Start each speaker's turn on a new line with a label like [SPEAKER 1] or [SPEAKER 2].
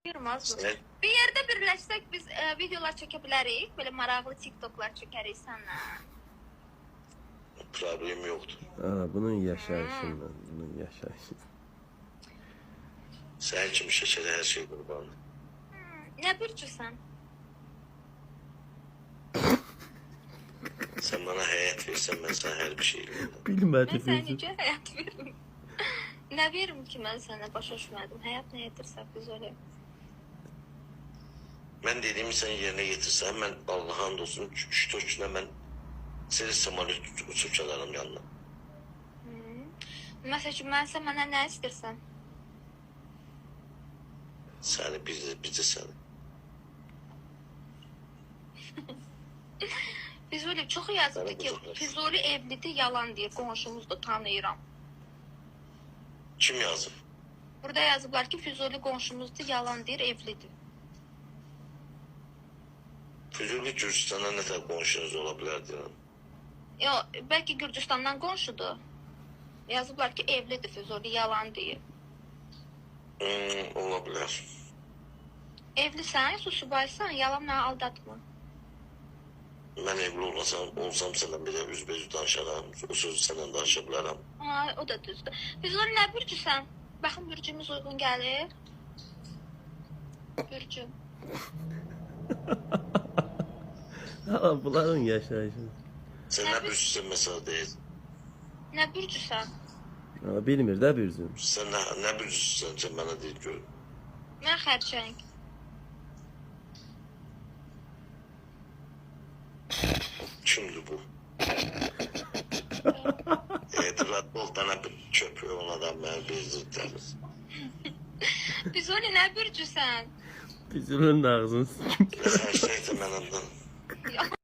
[SPEAKER 1] Yürümez bu.
[SPEAKER 2] Sen,
[SPEAKER 1] Bir yerde birləşsək biz videolar çəkə bilərik. Böyle maraqlı TikToklar çəkərik sənlə.
[SPEAKER 2] problem yoktur.
[SPEAKER 3] Bunun yaşayışından, bunun yaşayışından.
[SPEAKER 2] Sen kimi şəkərə her şey qurbandır.
[SPEAKER 1] Nə bürcüsən?
[SPEAKER 2] Sen bana hayat versen ben sana her bir şey veririm.
[SPEAKER 1] Mən
[SPEAKER 3] Bilmədi
[SPEAKER 1] sənə
[SPEAKER 3] bizi.
[SPEAKER 1] necə həyat veririm? Nə verim ki mən sənə başa düşmədim. Həyat nə edirsə biz öyle.
[SPEAKER 2] Ben dediğimi sen yerine getirsen ben Allah'a hamdolsun 3-4 güne ben seni samolyot uçup çalarım yanına.
[SPEAKER 1] Məsəl üçün mənsə mənə nə istəyirsən?
[SPEAKER 2] Seni bizi seni.
[SPEAKER 1] Füzuli çox yazıbdı ki,
[SPEAKER 2] Sənə
[SPEAKER 1] Füzuli evlidir, yalan deyir. Qonşumuz da tanıyıram.
[SPEAKER 2] Kim yazıp?
[SPEAKER 1] Burada yazıblar ki, Füzuli qonşumuzdur, yalan deyir, evlidir.
[SPEAKER 2] Füzuli Gürcistan'a ne kadar konuşunuz olabilir diyorum.
[SPEAKER 1] Yo, bəlkə Gürcüstandan qonşudur. Yazıblar ki, evlidir Füzuli, yalan deyir.
[SPEAKER 2] Olabilir.
[SPEAKER 1] Evlisən, susubaysan, yalan mənə aldatma.
[SPEAKER 2] Ben evli olsam senden bir de üzbezü danışarım. O sözü senden danışabilirim.
[SPEAKER 1] Ay, o da düzdür. Füzuli nə bürcüsən? Baxın, bürcümüz uyğun gəlir. Bürcüm.
[SPEAKER 3] Bunların yaşayışı.
[SPEAKER 2] Sen ne büyüsün mesela değil.
[SPEAKER 1] Nə bürcüsən?
[SPEAKER 3] Bilmir də büzüm.
[SPEAKER 2] Sen ne büyüsün sen bana değil gör.
[SPEAKER 1] Mən xərçəng.
[SPEAKER 2] Kimdi bu? Rahat ol bana bir köpüğü onadan beni bezdirtiriz.
[SPEAKER 1] Füzuli nə bürcüsən?
[SPEAKER 3] Büzümün ağzını
[SPEAKER 2] Sen şeyse ben ondan.
[SPEAKER 1] Ya.